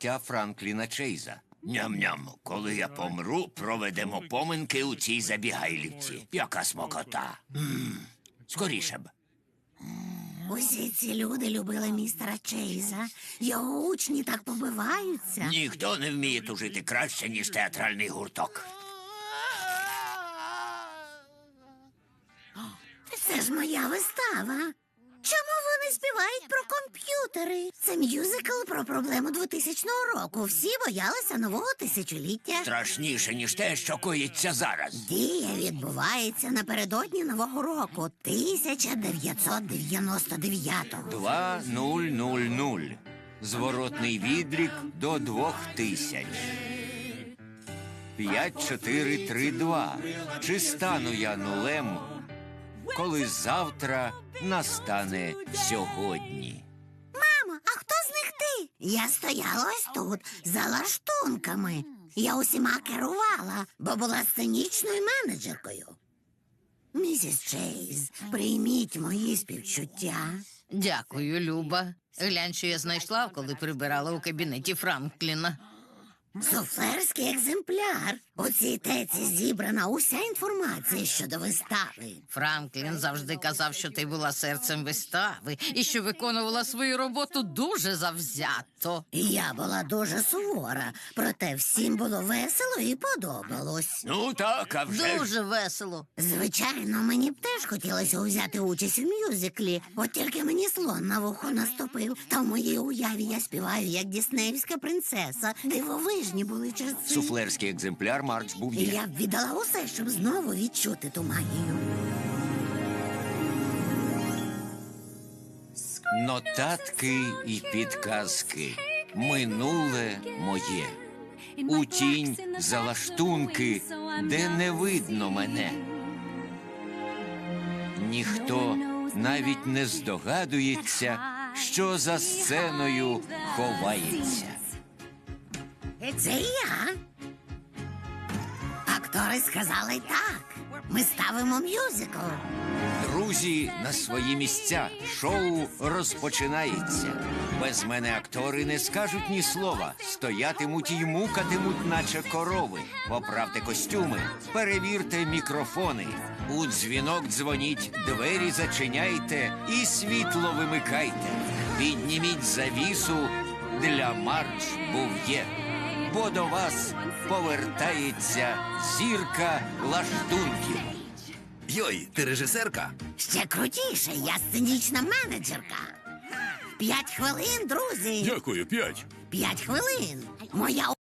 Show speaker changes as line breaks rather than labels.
життя Франкліна Чейза.
Ням-ням, коли я помру, проведемо поминки у цій забігайлівці. Яка смакота. Скоріше б.
Усі ці люди любили містера Чейза. Його учні так побиваються.
Ніхто не вміє тужити краще, ніж театральний гурток.
Це ж моя вистава. Чому вони співають про комп'ютери? Це мюзикл про проблему 2000 року. Всі боялися нового тисячоліття.
Страшніше, ніж те, що коїться зараз.
Дія відбувається напередодні Нового року 1999-го.
2000. Зворотний відлік до 2000. 5, 4, 3, 2. Чи стану я нулем, коли завтра настане сьогодні?
Мамо, а хто з них ти? Я стояла ось тут, за лаштунками. Я усіма керувала, бо була сценічною менеджеркою. Місіс Чейз, прийміть мої співчуття.
Дякую, Люба. Глянь, що я знайшла, коли прибирала у кабінеті Франкліна.
Суфлерський екземпляр. У цій теці зібрана уся інформація щодо вистави.
Франклін завжди казав, що ти була серцем вистави і що виконувала свою роботу дуже завзято.
І я була дуже сувора, проте всім було весело і подобалось.
Ну так, а вже ж.
Дуже весело.
Звичайно, мені б теж хотілося взяти участь у мюзиклі, от тільки мені слон на вухо наступив, та в моїй уяві я співаю, як діснеївська принцеса. Дивовижні були часи.
Суфлерський екземпляр Марч
І
Був'є.
я б віддала усе, щоб знову відчути ту магію.
Нотатки і підказки. Минуле моє. У тінь за лаштунки, де не видно мене. Ніхто навіть не здогадується, що за сценою ховається.
Це я. Актори сказали так. Ми ставимо мюзикл.
Друзі на свої місця. Шоу розпочинається. Без мене актори не скажуть ні слова. Стоятимуть і мукатимуть, наче корови. Поправте костюми, перевірте мікрофони. У дзвінок дзвоніть, двері зачиняйте і світло вимикайте. Підніміть завісу для Марч Був'є. Бо до вас повертається зірка лаштунків.
Йой, ти режисерка?
Ще крутіше, я сценічна менеджерка. 5 хвилин, друзі.
Дякую, 5.
5 хвилин. Моя